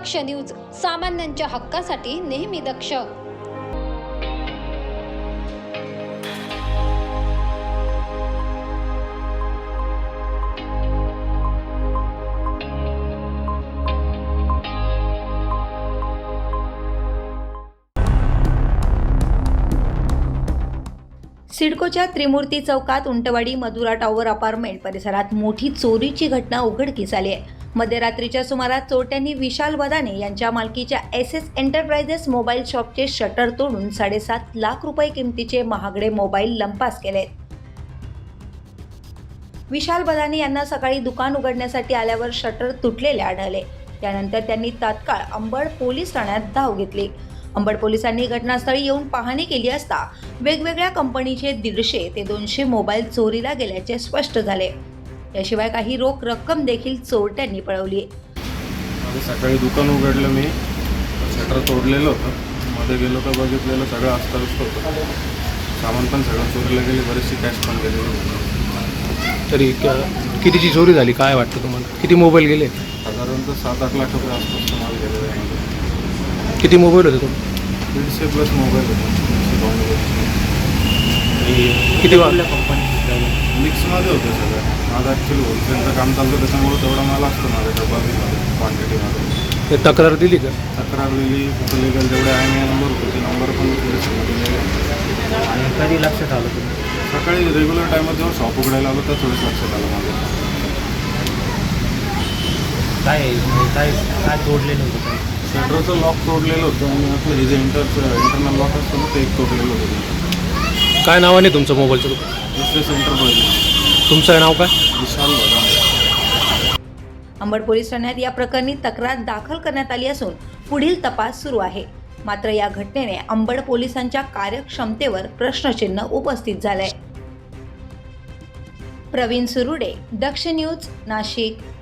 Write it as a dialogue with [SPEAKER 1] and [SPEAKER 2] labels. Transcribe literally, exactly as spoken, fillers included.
[SPEAKER 1] दक्ष news, सामान्यांच्या हक्कासाठी नेहमी दक्ष.
[SPEAKER 2] सिडकोच्या त्रिमूर्ती चौकात उंटवाडी मधुरा टॉवर अपार्टमेंट परिसरात मोठी चोरीची घटना उघडकीस आली आहे. मध्यरात्रीच्या सुमारास चोरट्यांनी विशाल बदाने यांच्या मालकीच्या एस एस एंटरप्राइजेस मोबाईल शॉपचे शटर तोडून साडेसात लाख रुपये किमतीचे महागडे मोबाईल लंपास केले. विशाल बदाने यांना सकाळी दुकान उघडण्यासाठी आल्यावर शटर तुटलेले आढळले. त्यानंतर त्यांनी तात्काळ अंबड पोलीस ठाण्यात धाव घेतली. अंबड पोलिसांनी घटनास्थळी येऊन पाहणी केली असता वेगवेगळ्या कंपनीचे दीडशे ते दोनशे मोबाईल चोरीला गेल्याचे स्पष्ट झाले. याशिवाय काही रोख रक्कम देखील चोरट्यांनी पळवली.
[SPEAKER 3] सकाळी दुकान उघडलं, मी शटर तोडलेलं होतं. मध्ये गेलो तर बघितलेलं सगळं अस्ताव्यस्त होतं. सामान पण सगळं चोरीला गेले, बरेचशी कॅश पण गेलेली.
[SPEAKER 4] तरी कितीची चोरी झाली काय वाटतं तुम्हाला? किती मोबाईल गेले?
[SPEAKER 3] साधारणतः सात आठ लाख रुपये आसपास माल गेलेला आहे.
[SPEAKER 4] किती मोबाईल होते तुम्ही?
[SPEAKER 3] दीडशे प्लस मोबाईल होते.
[SPEAKER 4] किती वाजल्या?
[SPEAKER 3] मिक्समध्ये होतं सगळं. माझं ॲक्च्युली होलसेलचं काम चालतं, त्याच्यामुळे तेवढा माल असतो माझ्या डब्बामध्ये क्वांटिटीमध्ये.
[SPEAKER 4] ते तक्रार दिली का?
[SPEAKER 3] तक्रार दिली, कुठं लिगल जेवढे आहे मी नंबर होते ते नंबर पण दिले.
[SPEAKER 5] आणि कधी लक्षात आलं तुम्ही?
[SPEAKER 3] सकाळी रेग्युलर टायमात जेव्हा शॉप उघडायला आलो तर थोडंच लक्षात आलं माझं.
[SPEAKER 5] काय काय काय तोडलेलं होतं?
[SPEAKER 3] शटरचं लॉक तोडलेलं होतं आणि आपलं हे जे इंटरचं इंटरनल लॉक असतं ना, ते एक तोडलेलं होतं.
[SPEAKER 4] काय नावाने तुमचं मोबाईलचं दुकान?
[SPEAKER 3] दुसरे सेंटर पहिले.
[SPEAKER 4] तुमचं नाव काय?
[SPEAKER 3] विशाल बदाने.
[SPEAKER 2] अंबड पोलीस ठाण्यात या प्रकरणी तक्रार दाखल करण्यात आली असून पुढील तपास सुरू आहे. मात्र या घटनेने अंबड पोलिसांच्या कार्यक्षमतेवर प्रश्नचिन्ह उपस्थित झालंय. प्रवीण सुरुडे, दक्ष न्यूज, नाशिक.